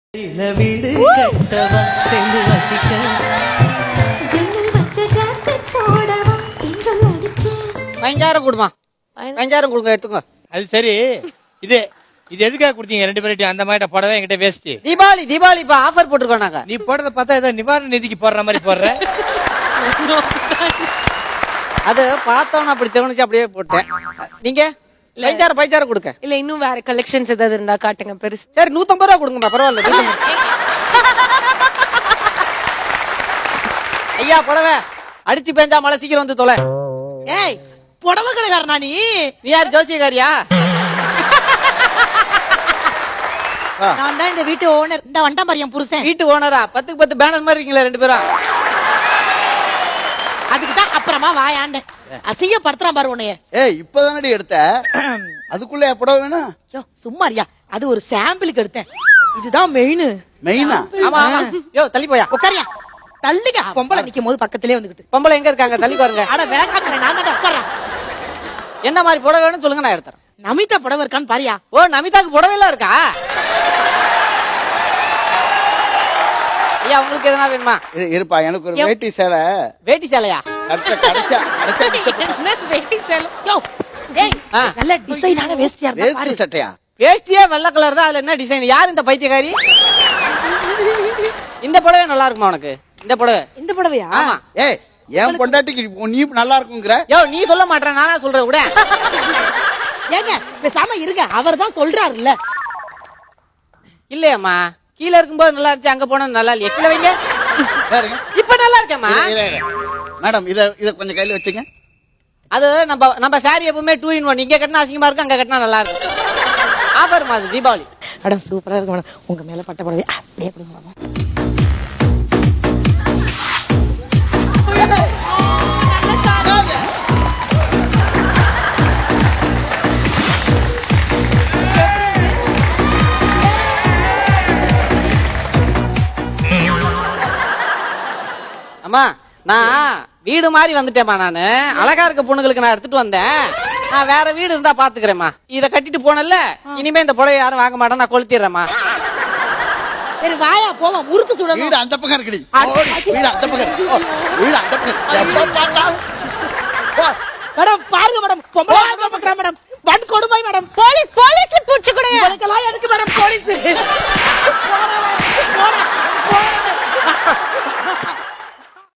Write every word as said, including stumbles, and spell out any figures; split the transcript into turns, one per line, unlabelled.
வீடு கட்டவா சேர்ந்து வசிக்க
பதினஞ்சாயிரம் கொடுமா பதினஞ்சாயிரம் கொடுங்க எடுத்துங்க.
அது சரி, இது இது எதுக்காக கொடுத்தீங்க ரெண்டு பேர்ட்டையும்? அந்த மாதிரி புடவை என்கிட்ட வேஸ்ட்.
தீபாவளி தீபாவளி இப்ப ஆஃபர் போட்டுருக்கோம் நாங்க.
நீ போடுறத பார்த்தா ஏதோ நிவாரண நிதிக்கு போடுற மாதிரி போடுற.
அது பார்த்தோன்னு அப்படி தோணுச்சு, அப்படியே போட்டேன். நீங்க பதினஞ்சாயிரம் பதினஞ்சாயிரம் கொடுங்க.
இல்ல இன்னும் வேற கலெக்ஷன்ஸ் ஏதாவது இருந்தா காட்டுங்க பெருசு.
சரி நூத்தம்பது ரூபா கொடுங்கம்மா, பரவாயில்ல. ஐயா புடவை அடிச்சு பேஞ்சா மழை சீக்கிரம் வந்து தொலை.
ஏய் புடவை கடைக்காரனா நீ?
நீ யார், ஜோசியக்காரியா?
நான் தான் இந்த வீட்டு ஓனர். இந்த வண்டா பாரு புருஷன்.
வீட்டு ஓனரா? பத்துக்கு பத்து பேனர் மாதிரி இருக்கீங்களா ரெண்டு பேரும்?
அதுக்கு தான் அப்புறமா வாயாண்ட அசிங்கப்படுத்துறான் பாரு உன்னைய.
ஏய் இப்பதானடி எடுத்த, அதுக்குள்ள புடவை வேணும்?
யோ சும்மாரியா, அது ஒரு சாம்பிளுக்கு எடுத்தேன். இதுதான் மெயின்.
மெயினா?
ஆமா ஆமா. யோ தள்ளி போயா.
உட்காரியா, தள்ளிக்க. பொம்பளை நிக்கும் போது பக்கத்திலே வந்துகிட்டு.
பொம்பளை எங்க இருக்காங்க? தள்ளி பாருங்க.
அட வேகாக்கறேன், நான் தான் உட்கார்றேன்.
என்ன மாதிரி புடவை வேணும்னு சொல்லுங்க, நான் எடுத்துறேன்.
நமிதா புடவை இருக்கான்னு பாரியா.
ஓ நமிதாக்கு புடவை எல்லாம் இருக்கா? ஐயா உங்களுக்கு எதனா வேணுமா?
இரு- இருப்பா, எனக்கு ஒரு வேட்டி சேலை.
வேட்டி சேலையா?
கிடைச்சா கிடைச்சா கிடைச்சா
என்ன வேட்டி சேலை?
யோ ஏய்
ஆ.
நல்ல டிசைனான வேஸ்டியா இருந்தா
வேஷ்டி
பாரு.
சட்டையா?
வேஷ்டியே வெள்ளை கலர் தான், அதுல என்ன டிசைன்? யார் இந்த பைத்தியக்காரி? இந்த புடவை நல்லா இருக்குமா உனக்கு? இந்த புடவை?
இந்த புடவையா?
ஆமா.
ஏய் என் பொண்டாட்டிக்கு நீ நல்லா இருக்குங்கிற?
யோ நீ சொல்ல மாட்டேன், நானா சொல்றேன் கூட.
ஏங்க பேசாம இருங்க, அவர் தான் சொல்றாருல்ல.
இல்லையம்மா, கீழ இருக்கும்போது நல்லா இருந்துச்சு, அங்க போனா நல்லா இல்லையா? கீழ வைங்க.
பாருங்க.
இப்ப நல்லா இருக்கேம்மா.
இரு, இரு, இரு. மேடம் இத இத கொஞ்சம் கையில வச்சுங்க.
அது நம்ம நம்ம சாரி எப்பவுமே டூ இன் ஒன். இங்க கட்டினா அசிங்கமா இருக்கும், அங்க கட்டினா நல்லா இருக்கும். ஆஃபர் மாதிரி தீபாவளி.
மேடம் சூப்பரா இருக்கு மேடம். உங்க மேல பட்ட புடவை அப்படியே கொடுங்க மேடம்.
அம்மா நான் வீடு மாதிரி வந்துட்டேம்மா. நானு அழகா இருக்க பொண்ணுங்களுக்கு நான் எடுத்துட்டு வந்தேன். நான் வேற வீடு இருந்தா பாத்துக்கிறேம்மா. இத கட்டிட்டு போனல, இனிமே இந்த புடவை யாரும் வாங்க மாட்டேன், நான் கொளுத்திடுறேம்மா.
சரி வாயா போவா, முறுக்கு சுடணும்.
வீடு அந்த பக்கம் இருக்குடி. ஓடி, வீடு அந்த பக்கம் இருக்கு. ஓ, வீடு அந்த பக்கம். எப்ப பார்த்தாலும்